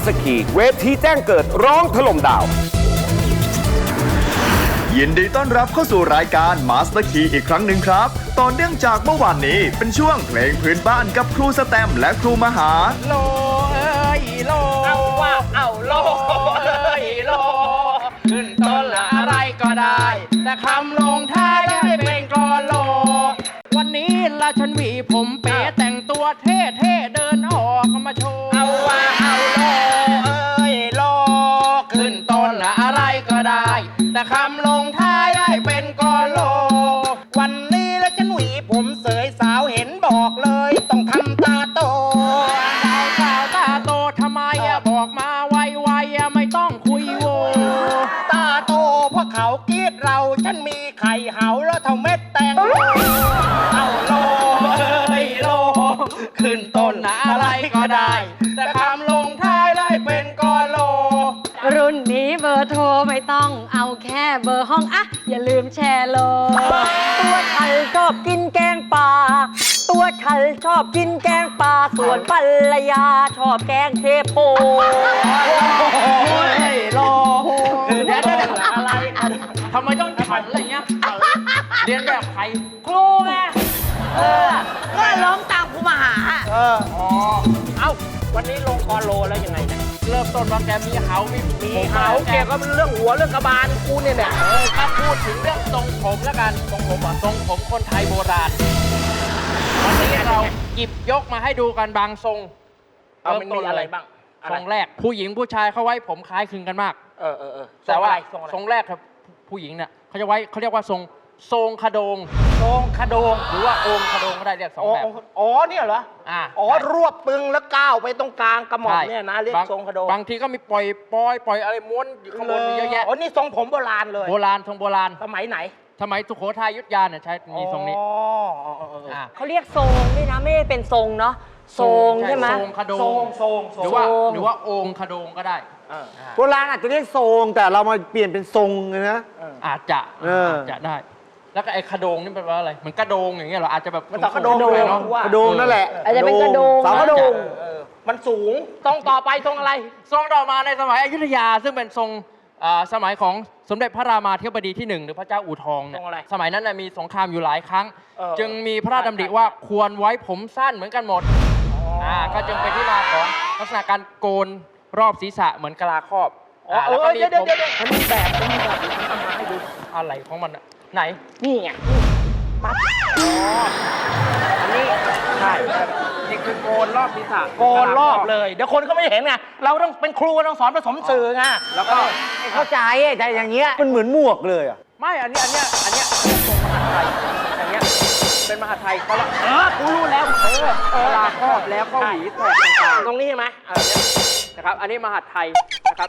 สคีเวทีแจ้งเกิดร้องถล่มดาวยินดีต้อนรับเข้าสู่รายการมาสเตอร์คีอีกครั้งหนึ่งครับต่อเนื่องจากเมื่อวานนี้เป็นช่วงเพลงพื้นบ้านกับครูสแตมและครูมหาโลเอ้ยโลเอาว่าเอาโลเอ้ยโลขึ้นต้นละอะไรก็ได้แต่คำลงท้ายได้เป็นกลอนโลวันนี้ละฉันหวีผมเป๋แต่งตัวเท่ๆเดินออกมาโชว์เอาว่าเอาโลเอ้ยโลขึ้นต้นละอะไรก็ได้แต่คำลงท้ายได้เป็นกลอนโลวันนี้ละฉันหวีผมเสยสาวเห็นบอกเลยต้องทำตาโตสาวตาโตทำไมบอกมาไวๆไม่ต้องคุยโวตาโตเพราะเขากรีดเราฉันมีไข่เหาแล้วเท่าเม็ดแตงโมเอาโลเอ้ยโลขึ้นต้นอะไรก็ได้แต่คำลงท้ายได้เป็นกอโลรุ่นนี้เบอร์โทรไม่ต้องเอาแค่เบอร์ห้องอะอย่าลืมแชร์โลตัวฉันชอบกินแกงป่าตัวฉันชอบกินแกงป่าส่วนภรรยาชอบแกงเทโพโลคือเดี๋ยวอะไรทำไมต้องขันอะไรเงี้ยเรียนแบบใครครูไงก็ร้องตามครูมหาอ๋อเอ้าวันนี้ลงคอโลแล้วยังไงเนี่ยเริ่มต้นว่าแกมีเหามีเหาเกี่ยวกับเรื่องหัวเรื่องกระบาลกูเนี่ยถ้าพูดถึงเรื่องทรงผมแล้วกันทรงผมทรงผมคนไทยโบราณวันนี้เราหยิบยกมาให้ดูกันบางทรงมันมีอะไรบ้างทรงแรกผู้หญิงผู้ชายเขาไว้ผมคล้ายคลึงกันมากแต่ว่าทรงแรกครับผู้หญิงเนี่ยเขาจะไว้เขาเรียกว่าทรงขโดงทรงขโดงหรือว่าองค์ขโดงก็ได้เรียกสองแบบอ๋อเนี่ยเหรอรวบปึงแล้วก้าวไปตรงกลางกระหม่อมเนี่ยนะเรียกทรงขโดงบางทีก็มีปล่อยอะไรม้วนอยู่ข้างบนเยอะแยะอ๋อนี่ทรงผมโบราณเลยโบราณทรงโบราณสมัยไหนสมัยสุโขทัยอยุธยาเนี่ยใช้มีทรงนี้เขาเรียกทรงด้วยนะไม่ได้เป็นทรงเนาะทรงใช่ไหมทรงขโดงหรือว่าองค์ขโดงก็ได้โบราณอาจจะเรียกทรงแต่เรามาเปลี่ยนเป็นทรงเลยนะอาจจะได้แล้วก็ไอ้ขโดงนี่เป็นว่าอะไรเหมือนกระโดงอย่างเงี้ยเหรออาจจะแบบมันกระโดงกระโดงนั่นแหละอาจจะเป็นกระโดงสาวกระโดงมันสูงทรงต่อไปทรงอะไรทรงต่อมาในสมัยอยุธยาซึ่งเป็นทรงสมัยของสมเด็จพระรามาธิบดีที่1หรือพระเจ้าอู่ทองเนี่ยสมัยนั้นมีสงครามอยู่หลายครั้งจึงมีพระราชดำริว่าควรไว้ผมสั้นเหมือนกันหมดก็จึงเป็นที่มาของลักษณะการโกนรอบศีรษะเหมือนกะลาครอบแล้วก็มีผมมันมีแบบทำมาให้ดูอะไรของมันไหนนี่ไงปั๊บอันนี้ใช่นี่คือโกนรอบศีรษะโกนรอบเลยเดี๋ยวคนเขาไม่เห็นไงเราต้องเป็นครูต้องสอนผสมสื่อไงแล้วก็เข้าใจแต่อย่างเงี้ยมันเหมือนหมวกเลยอ่ะไม่อันนี้ทรงมหาไทยอย่างเงี้ยเป็นมหาไทยเขาละกูรู้แล้วลาครอบแล้วก็หวีแตกต่างๆตรงนี้ใช่ไหมนะครับอันนี้มหาไทยนะครับ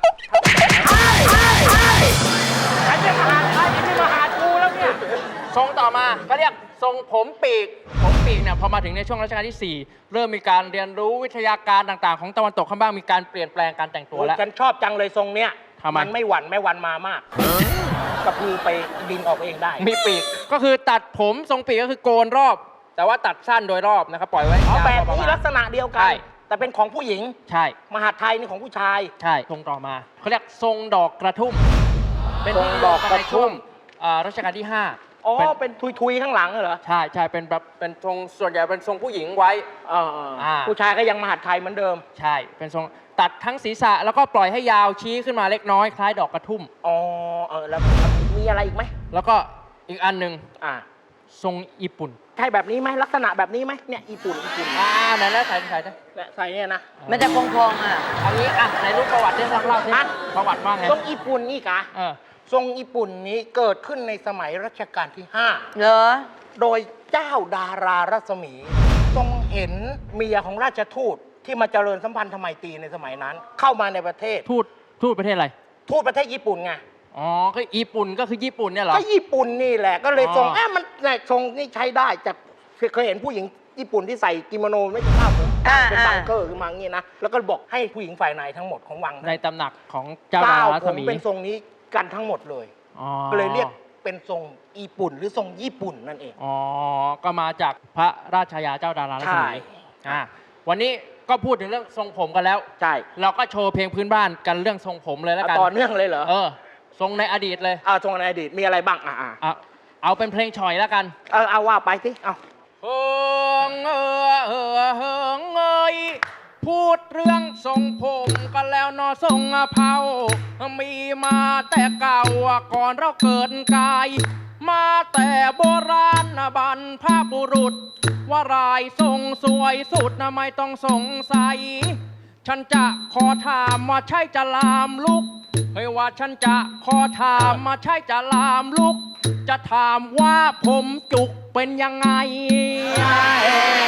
อันนี้มหาไทยอันนี้มหากูแล้วเนี่ยทรงต่อมาเขาเรียกทรงผมปีกเนี่ยพอมาถึงในช่วงรัชกาลที่4เริ่มมีการเรียนรู้วิทยาการต่างๆของตะวันตกข้างบ้างมีการเปลี่ยนแปลงการแต่งตัวแล้วฉันชอบจังเลยทรงเนี้ยมันไม่หวั่นมามากกระพือไปบินออกเองได้มีปีกก็คือตัดผมทรงปีกก็คือโกนรอบแต่ว่าตัดสั้นโดยรอบนะครับปล่อยไว้แบบนี้ลักษณะเดียวกันแต่เป็นของผู้หญิงใช่มหาไทยนี่ของผู้ชายใช่ทรงต่อมาเขาเรียกทรงดอกกระทุ่มเป็นทรงดอกกระทุ่มรัชกาลที่5เป็นทุยๆข้างหลังเหรอใช่เป็นแบบเป็นทรงส่วนใหญ่เป็นทรงผู้หญิงไว้ผู้ชายก็ยังมหาไทยเหมือนเดิมใช่เป็นทรงตัดทั้งศีรษะแล้วก็ปล่อยให้ยาวชี้ขึ้นมาเล็กน้อยคล้ายดอกกระทุ่มแล้วมีอะไรอีกไหมแล้วก็อีกอันหนึ่งทรงญี่ปุ่นใช่แบบนี้ไหมลักษณะแบบนี้ไหมเนี่ยญี่ปุ่นนั่นแล้วใส่เนี่ยนะมันจะพองๆอันนี้ในรูปประวัติที่เล่าที่ประวัติว่าไงทรงญี่ปุ่นนี่กะทรงญี่ปุ่นนี้เกิดขึ้นในสมัยรัชกาลที่5เหรอโดยเจ้าดารารัศมีทรงเห็นเมียของราชทูตที่มาเจริญสัมพันธไมตรีในสมัยนั้นเข้ามาในประเทศทูตประเทศอะไรทูตประเทศญี่ปุ่นไงก็ญี่ปุ่นก็คือญี่ปุ่นเนี่ยเหรอก็ญี่ปุ่นนี่แหละก็เลยทรงมันทรงนี่ใช้ได้แต่เคยเห็นผู้หญิงญี่ปุ่นที่ใส่กิโมโนไม่ใช่ผ้าผมเป็นบังเกอร์ขึ้นมาอย่างนี้นะแล้วก็บอกให้ผู้หญิงฝ่ายในทั้งหมดของวังในตำหนักของเจ้าดารารัศมีเป็นทรงนี้กันทั้งหมดเลยก็เลยเรียกเป็นทรงญี่ปุ่นหรือทรงญี่ปุ่นนั่นเองก็มาจากพระราชายาเจ้าดารารัศมีวันนี้ก็พูดถึงเรื่องทรงผมกันแล้วใช่เราก็โชว์เพลงพื้นบ้านกันเรื่องทรงผมเลยแล้วกันต่อเนื่องเลยเหรอทรงในอดีตเลยทรงในอดีตมีอะไรบ้างเอาเป็นเพลงฉ่อยแล้วกันเอาว่าไปสิเอาเฮิงเอยพูดเรื่องทรงผมกันแล้วนอทรงเผามีมาแต่เก่าก่อนเราเกิดกายมาแต่โบราณบรรพบุรุษว่ารายทรงสวยสุดไม่ต้องสงสัยฉันจะขอถามว่าใช่จะลามลุกเฮ้ยว่าฉันจะขอถามมาใช่จะลามลุกจะถามว่าผมจุกเป็นยังไง